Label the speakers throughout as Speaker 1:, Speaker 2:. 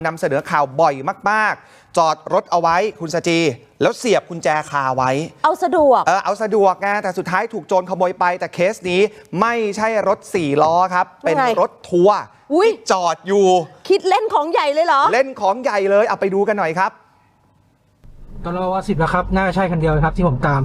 Speaker 1: นำเสนอข่าวบ่อยมากๆจอดรถเอาไว้คุณสจีแล้วเสียบกุญแจคาไว้
Speaker 2: เอาสะดวก
Speaker 1: เอาสะดวกไงแต่สุดท้ายถูกโจรขโมยไปแต่เคสนี้ไม่ใช่รถ4 ล้อครับเป็นรถทัวร์ที่จอดอยู่
Speaker 2: คิดเล่นของใหญ่เลยเหรอ
Speaker 1: เล่นของใหญ่เลยเอาไปดูกันหน่อยครับ
Speaker 3: ตอนเราว่า10แล้วครับน่าจะใช่คันเดียวครับที่ผมตาม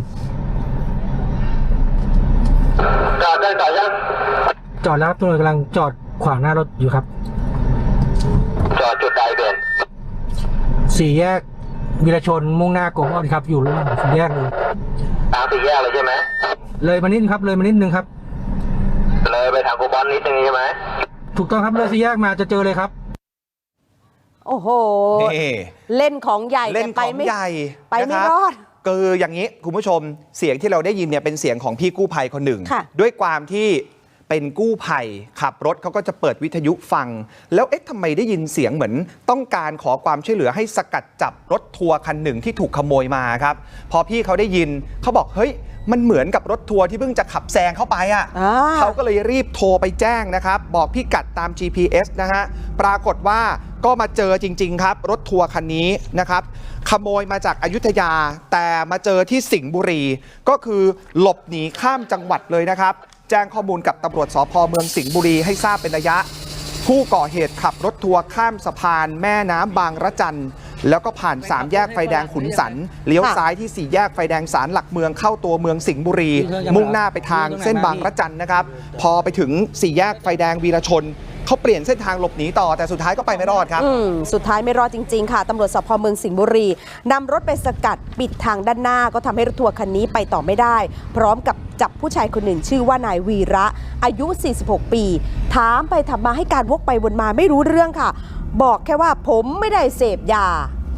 Speaker 4: จอดได้ต่อยัง
Speaker 3: จอดแล้วตัวกำลังจอดขวางหน้ารถอยู่ครับ
Speaker 4: จอดจุดใดเด่น
Speaker 3: 4 แยกวีรชนมุ่งหน้าโกมอครับอยู่ระหว่าง4 แยกเลย
Speaker 4: ทาง4 แยกเลยใช่ไหม
Speaker 3: เลยมานิดครับเลยมานิดนึงครับ
Speaker 4: เลยไปทางโกบอลนิดนึงใช่ไหม
Speaker 3: ถูกต้องครับเลย4 แยกมาจะเจอเลยครับ
Speaker 2: โอ้โหเล่นของใหญ่
Speaker 1: เล่นของใหญ่
Speaker 2: ไปไม่รอด
Speaker 1: คืออย่างนี้คุณผู้ชมเสียงที่เราได้ยินเนี่ยเป็นเสียงของพี่กู้ภัยคนหนึ่งด้วยความที่เป็นกู้ภัยขับรถเขาก็จะเปิดวิทยุฟังแล้วทำไมได้ยินเสียงเหมือนต้องการขอความช่วยเหลือให้สกัดจับรถทัวร์คันหนึ่งที่ถูกขโมยมาครับพอพี่เขาได้ยินเขาบอกเฮ้ยมันเหมือนกับรถทัวร์ที่เพิ่งจะขับแซงเข้าไปเขาก็เลยรีบโทรไปแจ้งนะครับบอกพี่กัดตาม GPS นะฮะปรากฏว่าก็มาเจอจริงๆครับรถทัวร์คันนี้นะครับขโมยมาจากอยุธยาแต่มาเจอที่สิงห์บุรีก็คือหลบหนีข้ามจังหวัดเลยนะครับแจ้งข้อมูลกับตำรวจสภ.เมืองสิงห์บุรีให้ทราบเป็นระยะผู้ก่อเหตุขับรถทัวร์ข้ามสะพานแม่น้ำบางระจันแล้วก็ผ่าน3 แยกไฟแดงขุนสันเลี้ยวซ้ายที่4 แยกไฟแดงศาลหลักเมืองเข้าตัวเมืองสิงห์บุรีมุ่งหน้าไปทางเส้นบางระจันนะครับพอไปถึง4 แยกไฟแดงวีรชนเขาเปลี่ยนเส้นทางหลบหนีต่อแต่สุดท้ายก็ไปไม่รอดครับ
Speaker 2: สุดท้ายไม่รอดจริงๆค่ะตำรวจสภ.เมืองสิงห์บุรีนำรถไปสกัดปิดทางด้านหน้าก็ทำให้รถทัวร์คันนี้ไปต่อไม่ได้พร้อมกับจับผู้ชายคนหนึ่งชื่อว่านายวีระอายุ46 ปีถามไปถามมาให้การวกไปวนมาไม่รู้เรื่องค่ะบอกแค่ว่าผมไม่ได้เสพยา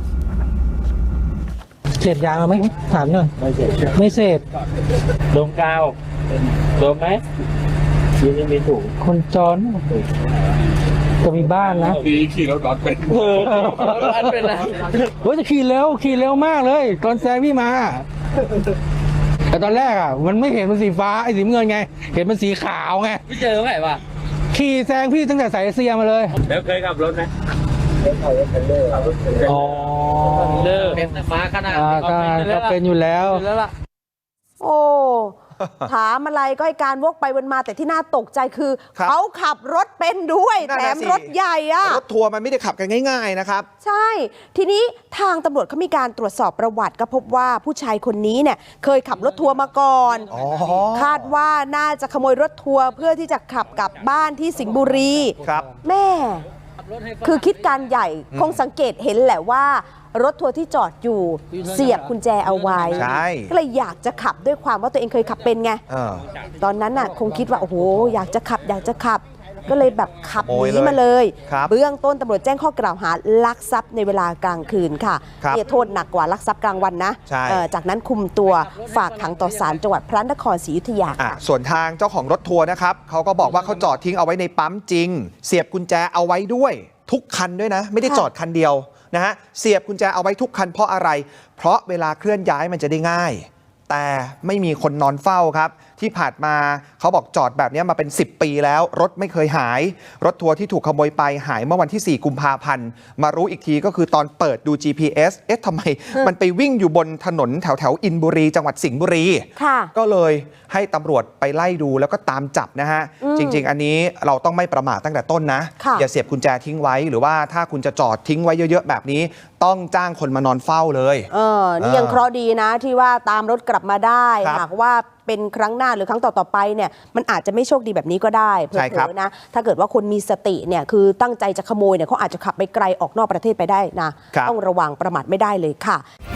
Speaker 3: เสพยาไหมถามหน่อยไม่เสพ
Speaker 4: ดมกาวดมไหมยังมีถุง
Speaker 3: คนจรจะมีบ้านนะ
Speaker 4: ขี่รถก่อนเป็น
Speaker 3: เป็นนะโอ้ยจะขี่เร็วมากเลยตอนแซงพี่มาแต่ตอนแรกมันไม่เห็นมันสีฟ้าไอ้สีเงินไงเห็นมันสีขาวไง
Speaker 4: ไม่เจอไหมวะ
Speaker 3: ขี่แซงพี่ตั้งแต่สายเซียมาเลย
Speaker 4: แล้วเคยขับรถไหม
Speaker 3: อ๋อ
Speaker 4: เป็นม้าขนาด
Speaker 3: ก็เป็นอยู่แล้ว
Speaker 2: โอ้ถามอะไรก็ให้การวกไปวนมาแต่ที่น่าตกใจคือเขาขับรถเป็นด้วยแถมรถใหญ่
Speaker 1: รถทัวร์มันไม่ได้ขับกันง่ายๆนะครับ
Speaker 2: ใช่ทีนี้ทางตำรวจเขามีการตรวจสอบประวัติก็พบว่าผู้ชายคนนี้เนี่ยเคยขับรถทัวร์มาก่อนคาดว่าน่าจะขโมยรถทัวร์เพื่อที่จะขับกลับบ้านที่สิงห์บุรีแม่คือคิดการใหญ่คงสังเกตเห็นแหละว่ารถทัวร์ที่จอดอยู่เสียบกุญแจเอาไว้ก็เลยอยากจะขับด้วยความว่าตัวเองเคยขับเป็นไงตอนนั้นน่ะคงคิดว่าโอ้โหอยากจะขับก็เลยแบบขับหนีมาเลยเบื้องต้นตำรวจแจ้งข้อกล่าวหาลักทรัพย์ในเวลากลางคืนค่ะเนี่ยโทษหนักกว่าลักทรัพย์กลางวันนะจากนั้นคุมตัวฝากขังต่อศาลจังหวัดพระนครศรีอยุธยา
Speaker 1: ส่วนทางเจ้าของรถทัวร์นะครับเขาก็บอกว่าเขาจอดทิ้งเอาไว้ในปั๊มจริงเสียบกุญแจเอาไว้ด้วยทุกคันด้วยนะไม่ได้จอดคันเดียวนะฮะเสียบกุญแจเอาไว้ทุกคันเพราะอะไรเพราะเวลาเคลื่อนย้ายมันจะได้ง่ายแต่ไม่มีคนนอนเฝ้าครับที่ผ่านมาเขาบอกจอดแบบนี้มาเป็น10 ปีแล้วรถไม่เคยหายรถทัวร์ที่ถูกขโมยไปหายเมื่อวันที่4 กุมภาพันธ์มารู้อีกทีก็คือตอนเปิดดู GPS ทำไมมันไปวิ่งอยู่บนถนนแถวอินบุรีจังหวัดสิงห์บุรีก็เลยให้ตำรวจไปไล่ดูแล้วก็ตามจับนะฮะจริงๆอันนี้เราต้องไม่ประมาทตั้งแต่ต้นนะอย่าเสียบกุญแจทิ้งไว้หรือว่าถ้าคุณจะจอดทิ้งไว้เยอะๆแบบนี้ต้องจ้างคนมานอนเฝ้าเลย
Speaker 2: นี่ยังเคราะห์ดีนะที่ว่าตามรถกลับมาได้หากว่าเป็นครั้งหน้าหรือครั้งต่อๆไปเนี่ยมันอาจจะไม่โชคดีแบบนี้ก็ได้เผลอๆนะถ้าเกิดว่าคนมีสติเนี่ยคือตั้งใจจะขโมยเนี่ยเขาอาจจะขับไปไกลออกนอกประเทศไปได้นะต้องระวังประมาทไม่ได้เลยค่ะ